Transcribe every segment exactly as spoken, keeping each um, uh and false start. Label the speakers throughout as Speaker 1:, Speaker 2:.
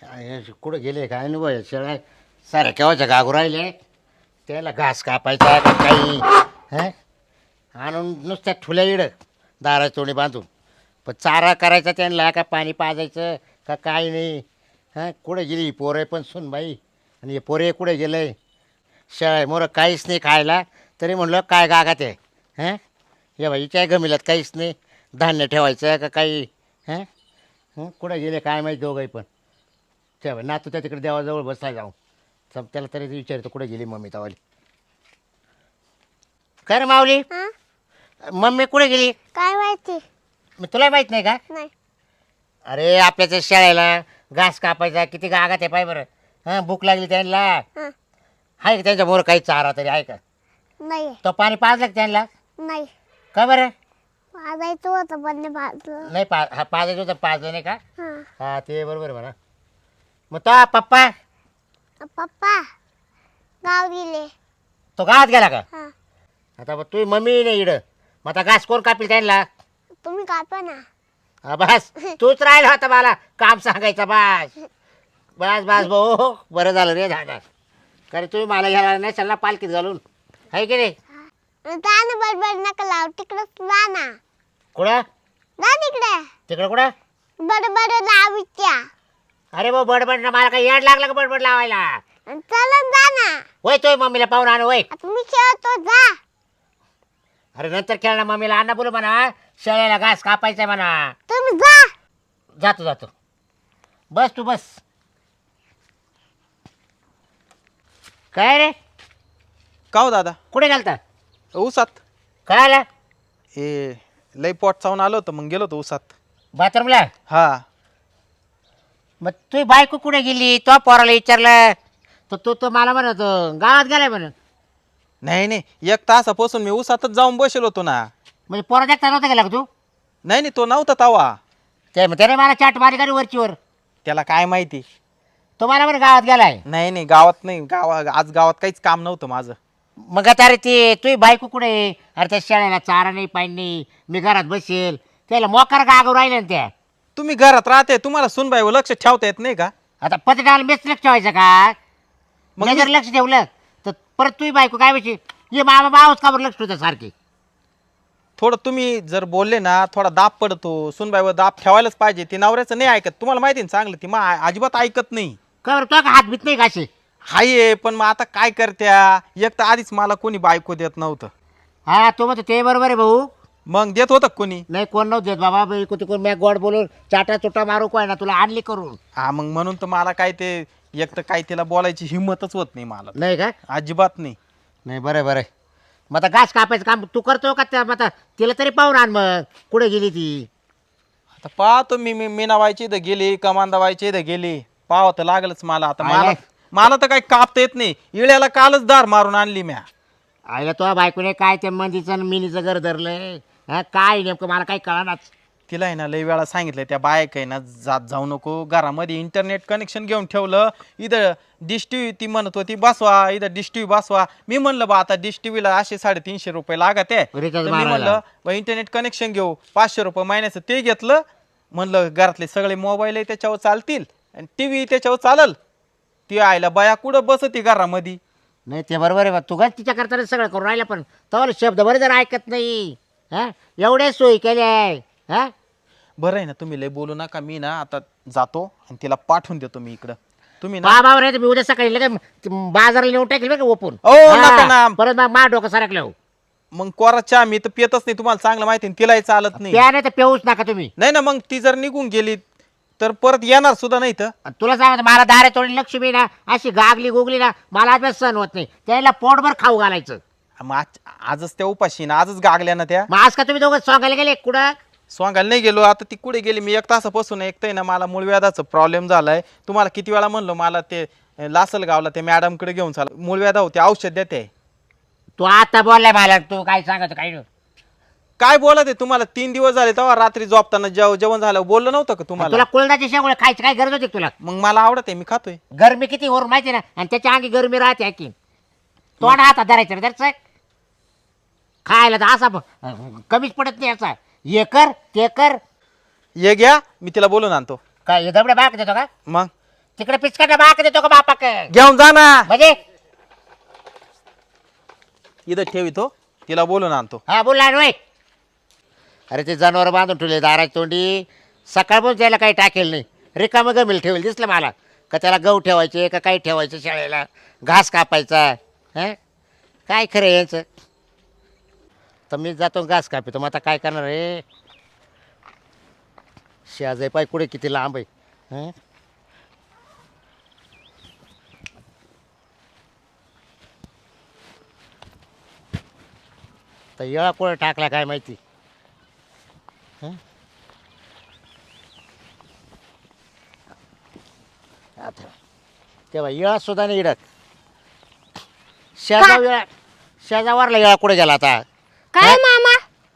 Speaker 1: कुठं गेले काय नाही बाय शेळ्या साऱ्या केव्हाच्या गागू राहिले त्याला घास कापायचा का काही हं आणून नुसत्या ठुल्या इड दारा तोंडी बांधून पण चारा करायचा त्यांना का पाणी पाजायचं का काय नाही हां कुठे गेली पोरं पण सुन बाई आणि हे पोरे कुठे गेले शेळ्या मोरं काहीच नाही खायला तरी म्हणलं काय गागात आहे हं ये बाई काय गमिल्यात काहीच नाही धान्य ठेवायचं का काही हं हं कुठे गेले काय माहिती दोघंही पण तेव्हा नातू त्या तिकडे देवाजवळ बसाय जाऊ सब त्याला तरी विचारतो कुठे गेली मम्मी तवाली काय रे माऊली
Speaker 2: हा?
Speaker 1: मम्मी कुठे गेली
Speaker 2: काय माहिती
Speaker 1: मी तुला माहित नाही का
Speaker 2: नाही.
Speaker 1: अरे आपल्याच्या शाळेला घास कापायचा किती गागात आहे पाय बरं हां भूक लागली त्यांना
Speaker 2: हा.
Speaker 1: आहे का त्यांच्या मोर काही चारा तरी आहे का
Speaker 2: नाही
Speaker 1: तो पाणी पाजलं का त्यांना
Speaker 2: नाही
Speaker 1: का बरं
Speaker 2: वाजायचं होतं पण नाही भाजलं.
Speaker 1: नाही पा हा पाजायचं होतं पाजलं नाही का
Speaker 2: हा.
Speaker 1: हा ते बरोबर आहे म्हणा मग तो पप्पा
Speaker 2: पप्पा गाव गेले.
Speaker 1: तो गावात गेला का
Speaker 2: हा.
Speaker 1: आता मग तुझी मम्मी नाही इड मग आता घास कोण कापील त्यांना
Speaker 2: तुम्ही कापा ना.
Speaker 1: हा बस तूच राहिला होता मला काम सांगायचं बस बस बस भाऊ बरं झालं रे झालं कारण तुम्ही मला घ्यायला नाही चालला पालखीत घालून आहे की नाही
Speaker 2: जा ना बडबड नका लाव तिकडं जा ना.
Speaker 1: कुठं
Speaker 2: जा तिकडे
Speaker 1: तिकडं कुठं
Speaker 2: बडबड लावित्या.
Speaker 1: अरे भाऊ बडबड ना मला काही येड लागलं का बडबड लावायला
Speaker 2: चला जा ना.
Speaker 1: वय तोय मम्मीला पाहून आण वय
Speaker 2: आता मी खेळतो जा.
Speaker 1: अरे नंतर खेळणार मम्मीला आणा बोलू म्हणा शेळ्याला घास कापायचंय म्हणा
Speaker 2: तुम्ही जा.
Speaker 1: जातो जातो बस तू बस काय रे
Speaker 3: का हो दादा
Speaker 1: कुठे गेलता
Speaker 3: ऊसात
Speaker 1: काय आला
Speaker 3: ए लई पोट चावून आलो होतं मग गेलो होतो ऊसात
Speaker 1: बाथरूमला
Speaker 3: हा
Speaker 1: मग तुझी बायको कुठे गेली तो पोराला विचारलं तर तो तो मला म्हणत गावात गेलाय म्हणून
Speaker 3: नाही नाही एक तासापासून मी ऊसातच जाऊन बसेल होतो ना.
Speaker 1: म्हणजे पोरा देखता नव्हता गेला का तू
Speaker 3: नाही नाही तो नव्हता तवा.
Speaker 1: ते मग त्याने मला चाट मारी करी वरचीवर
Speaker 3: त्याला काय माहिती.
Speaker 1: तो मला म्हणे गावात गेलाय
Speaker 3: नाही नाही गावात नाही गावा आज गावात काहीच काम नव्हतं माझं.
Speaker 1: मग आता अरे ते तुझी बायको कुठे आहे? अरे त्या शाळेला चारा नाही पाणी नाही मी घरात बसेल त्याला मोकार गागव राहिले ना त्या
Speaker 3: तुम्ही घरात राहते तुम्हाला सुनबाईवर लक्ष ठेवता येत नाही का.
Speaker 1: आता पत्रकाला मेच लक्ष ठेवायचं का
Speaker 3: मग
Speaker 1: मग
Speaker 3: मी-
Speaker 1: जर लक्ष ठेवलं तर परत तुझी बायको काय व्हायची ये मामा मावच का बरं लक्ष ठेवतं सारखी
Speaker 3: थोडं तुम्ही जर बोलले ना थोडा दाब पडतो सुनबाईवर दाब ठेवायलाच पाहिजे. ती नवऱ्याचं नाही ऐकत तुम्हाला माहिती ना चांगलं ती मग अजिबात ऐकत नाही.
Speaker 1: का बरं तो का हात भीत नाही का असे
Speaker 3: हाय पण मग आता काय करत्या एक तर आधीच मला कोणी बायको देत नव्हतं.
Speaker 1: हा तो म्हणतो ते बरोबर आहे भाऊ
Speaker 3: मग देत होतं का कोणी.
Speaker 1: नाही कोण नव्हतं देत बाबा बाई कोण कोण मॅ गोड बोलून चाटा चुटा मारू काय ना तुला आणली करून
Speaker 3: हा मग म्हणून तर मला काय ते एक तर काय तिला बोलायची हिंमतच होत नाही मला
Speaker 1: नाही का
Speaker 3: अजिबात नाही.
Speaker 1: नाही बरं बरं मग आता घास कापायचं काम तू करतो का त्या मग आता तिला तरी पाहून आण मग कुठे गेली ती
Speaker 3: आता पाहतो मी मी मीनाबाईची इथं गेली कमांदाबाईची इथं गेली पाहावं तर लागलंच मला. आता मला
Speaker 1: आय.
Speaker 3: मला तर काही कापता येत नाही. इळ्याला कालच दार मारून आणली म्या.
Speaker 1: आईला तो बायकोने काय त्या मंदीचं आणि मिनीचं घर धरलंय हा काय नेमकं मला काही कळणाच
Speaker 3: तिला आहे ना लई वेळा सांगितलं त्या बायक आहे ना जात जाऊ नको घरामध्ये इंटरनेट कनेक्शन घेऊन ठेवलं इथं डिश टी व्ही ती म्हणत होती बसवा इथं डिश टी व्ही बसवा. मी म्हणलं बा आता डिश टी व्हीला असे साडेतीनशे रुपये लागत आहे तर
Speaker 1: Recharge
Speaker 3: मी
Speaker 1: मारायला.
Speaker 3: म्हणलं बा इंटरनेट कनेक्शन घेऊ पाचशे रुपये महिन्याचं ते घेतलं. म्हणलं घरातले सगळे मोबाईल त्याच्यावर चालतील आणि टी व्ही त्याच्यावर चालल. ती आयला बाया कुठं बसती घरामध्ये.
Speaker 1: नाही ते बरोबर आहे बा तू काय तिच्या करताना सगळं करून राहिला पण तर शब्द बरे जर ऐकत नाही हा एवढ्या सोयी केल्या आहे हा
Speaker 3: बरं आहे ना तुम्ही लय बोलू नका. मी ना आता जातो आणि तिला पाठवून देतो मी इकडं. तुम्ही ना
Speaker 1: बा बाबा रे मी उद्या सकाळी लगेच बाजाराला नेऊन टाकेल बरं का ओपून
Speaker 3: ओ, नका ना.
Speaker 1: परत मग मा डोकं सरकलं हो.
Speaker 3: मग कोरा चहा मी तर पितच नाही तुम्हाला चांगलं माहिती आहे, तिलाही चालत नाही.
Speaker 1: त्या नाही तर पेऊच नका तुम्ही
Speaker 3: नाही ना मग ती जर निघून गेली तर परत येणार सुद्धा नाही तर.
Speaker 1: आणि तुला सांगत मला दारे थोडी लक्ष्मी ना अशी गागली गोगली ना मला अभ्यास सहन होत नाही त्याला पोटभर खाऊ घालायचं
Speaker 3: मग आज- आजच त्या उपाशी ना आजच गागल्या ना त्या.
Speaker 1: मग आज का तुम्ही दोघं सांगायला गेले कुठं
Speaker 3: स्वांगायला नाही गेलो. आता ती कुठे गेली मी एक तासापासून ऐकतोय ना मला मूळव्याधाचा प्रॉब्लेम झालाय. तुम्हाला किती वेळा म्हणलो मला ते लासलगावला ते मॅडमकडे घेऊन चाल मूळव्याधा होते औषध देते.
Speaker 1: तू आता बोललाय मला तू काय सांगत काय नाही.
Speaker 3: काय बोलत आहे तुम्हाला तीन दिवस झाले तेव्हा रात्री झोपताना जेव जेवण झालं बोललं नव्हतं का तुम्हाला.
Speaker 1: तुला कुळदाची शेंगोळे खायची काय गरज होती का तुला
Speaker 3: मग मला आवडत आहे मी खातोय.
Speaker 1: गरमी किती वरून माहिती ना आणि त्याच्या अंगी गरमी राहते की तोंड हातात धरायचं रे दरच खायला तर असा ब- कमीच पडत नाही असा हे कर ते कर
Speaker 3: ये घ्या मी तिला बोलून आणतो.
Speaker 1: काय हे दबड्या बाग देतो का
Speaker 3: मग
Speaker 1: तिकडे पिचकाटा बाक देतो का बापाक
Speaker 3: घेऊन जा ना
Speaker 1: म्हणजे
Speaker 3: इथं ठेवितो तिला बोलून आणतो.
Speaker 1: हा बोलला ना अरे ते जनावर बांधून ठेवले दाराची तोंडी सकाळपासून त्याला काही टाकेल नाही रिकामं गमील ठेवेल दिसलं मला का त्याला गहू ठेवायचे का काही ठेवायचं शाळेला घास कापायचा हं काय खरं आहे याचं तर मी जातो घास कापितो मग आता काय करणार रे शेजाई पाय कुठे किती लांब आहे हं तर येळा कुठे टाकला काय माहिती हं? आता तेव्हा येळा सुद्धा नाही इडत शेजा येळा शेजावरला येळा कुठे गेला आता
Speaker 4: काय मामा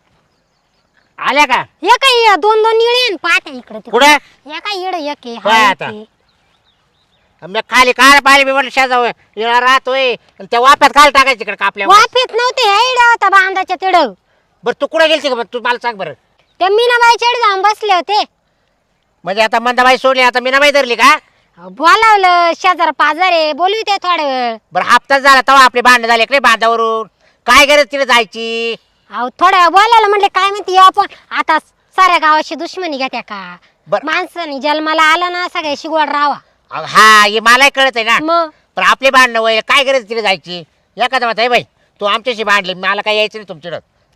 Speaker 1: आल्या का
Speaker 4: हे काय दोन दोन येळे पाहता इकडे
Speaker 1: कुठे
Speaker 4: या काय येड एक आहे,
Speaker 1: पाय
Speaker 4: हा
Speaker 1: आता.
Speaker 4: एक आहे.
Speaker 1: मी खाली काल पाहिले मी म्हटलं शेजाव येळा राहतोय आणि त्या वाप्यात काल टाकायचं तिकडे कापल्या
Speaker 4: वाफेत नव्हते येड होता बांधाच्या तिड
Speaker 1: बरं तू कुठे गेलती का तू मला सांग बरं
Speaker 4: ते मीनाबाई चढ जाऊन बसले होते
Speaker 1: म्हणजे आता मंदाबाई सोडली आता मीनाबाई धरली का
Speaker 4: बोलावलं शेजार पाजारे बोलू ते थोडा वेळ
Speaker 1: बरं हप्ताच झाला तेव्हा आपले भांडण झाले का नाही बांधावरून काय गरज तिला जायची
Speaker 4: अहो थोड्या वेळ बोलायला म्हणले काय म्हणते आपण आता साऱ्या गावाशी दुश्मनी घेत्या का
Speaker 1: बरं.
Speaker 4: माणसाने जन्माला आला ना सगळ्याशी गोड राहावा
Speaker 1: अहो, हा हे मलाही कळत आहे ना
Speaker 4: मग
Speaker 1: पण आपले भांडणं वय काय गरज तिला जायची एखादा म्हणता बाई तू आमच्याशी भांडली मला काय यायचं नाही तुमच्याकडं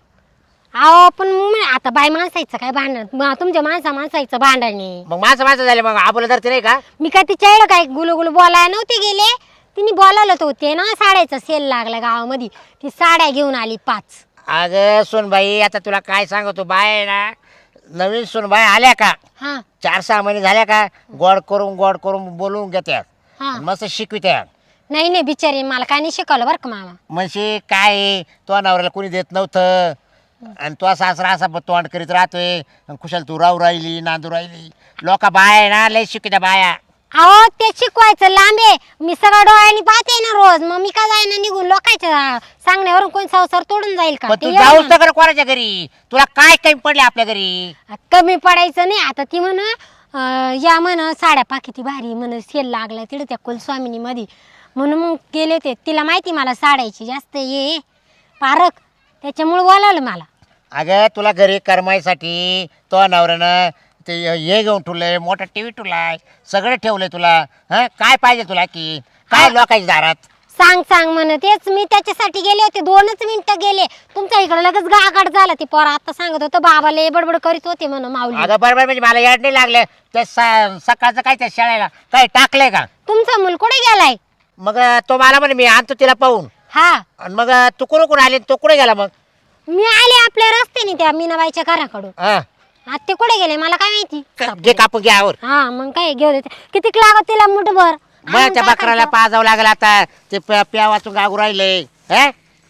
Speaker 4: अहो पण मग आता बाई माणसायचं काय भांडण मग तुमच्या माणसा माणसायचं भांडण आहे.
Speaker 1: मग माझं माझं झालं मग आबोला धरते नाही का
Speaker 4: मी काय तिच्या एवढं काय गुलू गुलू बोलायला नव्हते गेले तिने बोलावलं तर होते ना साड्याचा सेल लागला गावामध्ये ती साड्या घेऊन आली पाच
Speaker 1: अगं सोनबाई आता तुला काय सांगतो बाय आहे ना नवीन सोनबाई आल्या का
Speaker 4: हा
Speaker 1: चार सहा महिने झाल्या का गोड करून गोड करून बोलवून घेत्या
Speaker 4: हा
Speaker 1: मस्त शिकवित्या
Speaker 4: नाही नाही बिचारी मला काय नाही शिकवलं बरं का मामा
Speaker 1: म्हणजे काय आहे, तो नवऱ्याला कोणी देत नव्हतं आणि तो सासरा असा ब- तोंड करीत राहतोय आणि कुशाल तू राहू राहिली नांदू राहिली लोक बाया आहे ना लय शिकत्या बाया
Speaker 4: अहो ते शिकवायचं लांबे मी सगळं डोळ्यांनी पाहते ना रोज मग मी काय जाईना निघून लोकांच्या सांगण्यावरून कोण संसार तोडून जाईल का
Speaker 1: पण
Speaker 4: ते
Speaker 1: तू
Speaker 4: एवढं
Speaker 1: जाऊच तर कोणाच्या घरी तुला काय कमी पडले आपल्या घरी
Speaker 4: म्हण. कमी पडायचं नाही आता ती म्हण अं, या म्हण साड्या पाकिती भारी म्हण सेल लागला तिथे त्या कुलस्वामिनी मध्ये म्हणून मग गेले ते तिला माहिती मला साड्याची जास्त ये पारक त्याच्यामुळे बोलावलं मला
Speaker 1: अगं तुला घरी करमायसाठी तो नवऱ्यानं ते हे घेऊन ठेवलंय मोठा टीव्ही ठेवलाय सगळं ठेवलंय तुला हं काय पाहिजे तुला की काय लोकांच्या दारात
Speaker 4: सांग सांग म्हण तेच मी त्याच्यासाठी गेले होते दोनच मिनिटं गेले तुमच्या इकडे लगेच गागाट झाला ती पोरा आता सांगत होतं बाबाले बडबड करीत होते म्हण माऊली
Speaker 1: अगं बरोबर म्हणजे मला याड नाही लागलं ते स- सकाळचं काय त्या शाळेला काय टाकलंय का
Speaker 4: तुमचा मुल कुठे गेलाय
Speaker 1: मग तो मला म्हणे मी आणतो तिला पाहून
Speaker 4: हा
Speaker 1: आणि मग तू कुठं कुठं आली तो कुठे गेला मग
Speaker 4: मी आले आपल्या रस्त्याने त्या मीनाबाईच्या घराकडून
Speaker 1: हा
Speaker 4: आता ते कुठे गेले मला काय माहिती
Speaker 1: घे कापून घे आवर
Speaker 4: हा मग काय घेऊ देते किती लागत तिला मुठभर
Speaker 1: मग त्या बकराला पाजावं लागलं आता ते प्या प्या वाचून गागू राहिले हे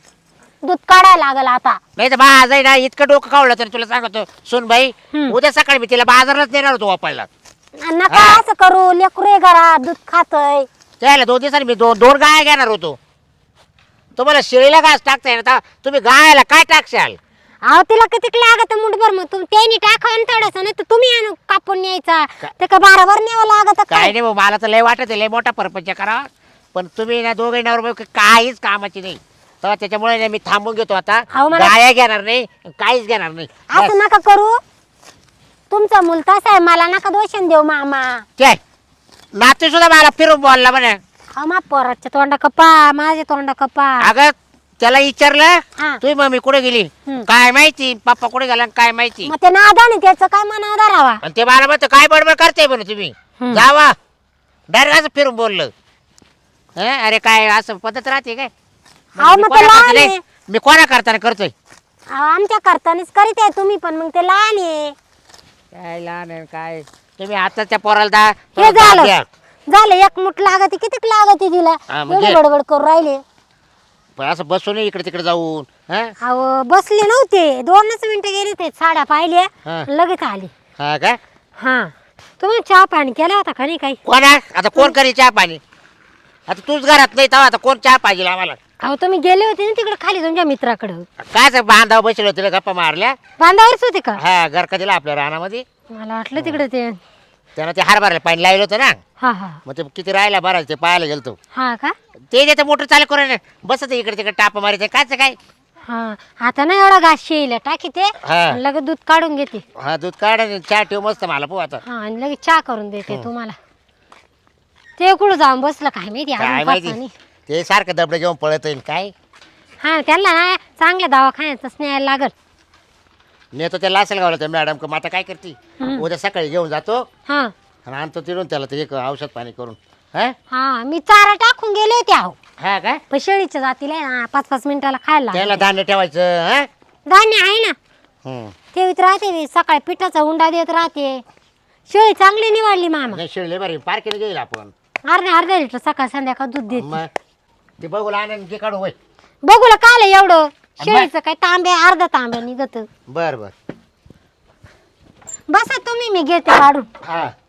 Speaker 4: दूध काढायला लागल आता
Speaker 1: नाही तर बाज आहे ना इतकं डोकं कावलं तर तुला सांगतो सुन बाई
Speaker 4: हम्म.
Speaker 1: उद्या सकाळी मी तिला बाजारलाच नेणार होतो वापरायला
Speaker 4: नका
Speaker 1: हा.
Speaker 4: असं करू लेकरू घरात दूध खातय
Speaker 1: त्याला दोन दिवसांनी मी दोन दोन गाय घेणार होतो तुम्हाला शेळीला घास टाकताय ना तुम्ही गायला काय टाकशाल
Speaker 4: अहो तिला किती लागत मुठभर मग तुम्ही त्यांनी टाका थोडस नाही तर तुम्ही आणू कापून न्यायचा ते का बाराभर न्यावं लागत
Speaker 1: काय
Speaker 4: काय
Speaker 1: नाही भाऊ, मला तर लय वाटत आहे, लय मोठा परपंच करा पण तुम्ही ना दोघे नवर काहीच कामाची नाही तर त्याच्यामुळे ना मी थांबून घेतो आता
Speaker 4: अहो, मला-
Speaker 1: गाया घेणार नाही काहीच घेणार नाही
Speaker 4: असं
Speaker 1: बस.
Speaker 4: नका करू तुमचा मुल तसा आहे मला नका दोषण देऊ मामा
Speaker 1: काय नातू सुद्धा मला फिरून बोलला म्हणे
Speaker 4: हा मा पोराच्या तोंडा कपा माझे तोंडा कपा
Speaker 1: अगं त्याला विचारलं
Speaker 4: हा.
Speaker 1: तुझी मम्मी कुठे गेली
Speaker 4: हम्म.
Speaker 1: काय माहिती पप्पा कुठे गेला काय माहिती
Speaker 4: मग ते नादाने त्याचं काय मनावर धरावा
Speaker 1: आणि ते मला म्हणतो काय बडबड करते म्हणे तुम्ही
Speaker 4: हम्म.
Speaker 1: जावा डायरेक्ट असं फिरून बोललं हं? अरे काय असं पद्धत राहते काय
Speaker 4: अहो,
Speaker 1: मी
Speaker 4: मग ते
Speaker 1: कोणा
Speaker 4: लहान
Speaker 1: करता
Speaker 4: आहे.
Speaker 1: नाही, मी कोणा करताना करतोय
Speaker 4: अहो, आमच्या करतानीच करीत आहे तुम्ही पण मग ते लहान आहे
Speaker 1: काय लहान आहे काय तुम्ही आता त्या पोराला दा
Speaker 4: हे
Speaker 1: थोडं दाब
Speaker 4: झालं
Speaker 1: द्या.
Speaker 4: झालं एक मुठ लागते किती लागते तिला
Speaker 1: हा, मग
Speaker 4: एवढी
Speaker 1: घे.
Speaker 4: बडबड करून राहिले
Speaker 1: पण असं बसून इकडे तिकडे जाऊन हं?
Speaker 4: अहो बसले नव्हते दोनच मिनिटं गेले ते साड्या पाहिल्या
Speaker 1: हा.
Speaker 4: लगेच आली
Speaker 1: हा का
Speaker 4: हा तुम्ही चहा पाणी केला होता का नाही काही
Speaker 1: कोणा आता कोण करी चहा पाणी आता तूच घरात नाही तेव्हा आता कोण चहा पाहिजे आम्हाला
Speaker 4: अहो तुम्ही गेले होते ना तिकडे खाली तुमच्या मित्राकडं
Speaker 1: काय बांधाव बसले होते गप्पा मारल्या
Speaker 4: बांधावरच होते का
Speaker 1: हा घर का दिला आपल्या रानामध्ये
Speaker 4: मला वाटलं तिकडे ते
Speaker 1: त्यानं ते हरभऱ्याला पाणी लावलं होतं ना
Speaker 4: हा हा
Speaker 1: मग ते किती राहिला भरायचं ते पाहायला गेलतो
Speaker 4: हा का
Speaker 1: ते देतं मोटर चालू करून बसत इकडे तिकडे टाप मारायचं कायचं काय
Speaker 4: हा आता ना एवढा घास शेईल टाकी ते
Speaker 1: हा.
Speaker 4: आणि लगेच दूध काढून घेते
Speaker 1: हा दूध काढ आणि चहा ठेव मस्त मला पो आता
Speaker 4: हा आणि लगेच चहा करून देते तुम्हाला ते कुठं जाऊन बसलं काय माहिती
Speaker 1: काय
Speaker 4: अजून
Speaker 1: माहिती
Speaker 4: पाहता नाही.
Speaker 1: ते सारखं दबडे घेऊन पळत येईल काय
Speaker 4: हा त्यांना ना चांगल्या दवाखान्यातच न्यायला लागल
Speaker 1: नेतो त्याला असेल गावला त्या मॅडम का मग आता काय करते
Speaker 4: हम्म.
Speaker 1: उद्या सकाळी घेऊन जातो
Speaker 4: हा
Speaker 1: आणि आणतो तिथून त्याला ते एक औषध पाणी करून हा
Speaker 4: हा मी चारा टाकून गेले होते अहो
Speaker 1: हा काय
Speaker 4: पण शेळीच्या जातीला आहे ना पाच पाच मिनिटाला खायला लागलं.
Speaker 1: त्याला धान्य ठेवायचं हा
Speaker 4: धान्य आहे ना
Speaker 1: हम्म.
Speaker 4: ठेवीत राहते मी सकाळी पिठाचा उंडा देत राहते शेळी चांगली निवडली मामा
Speaker 1: नाही शिळले बरी पार्कीने घेईल आपण
Speaker 4: अर्ध्या अर्ध्या लिटर सकाळ संध्याकाळ दूध देते
Speaker 1: मग ते बघू आणून ते काढू वय
Speaker 4: बघूला काल एवढं शेळीचं काय तांब्या अर्धा तांब्या निघत
Speaker 1: बर बर
Speaker 4: बसा तुम्ही मी घेते काढून
Speaker 1: हा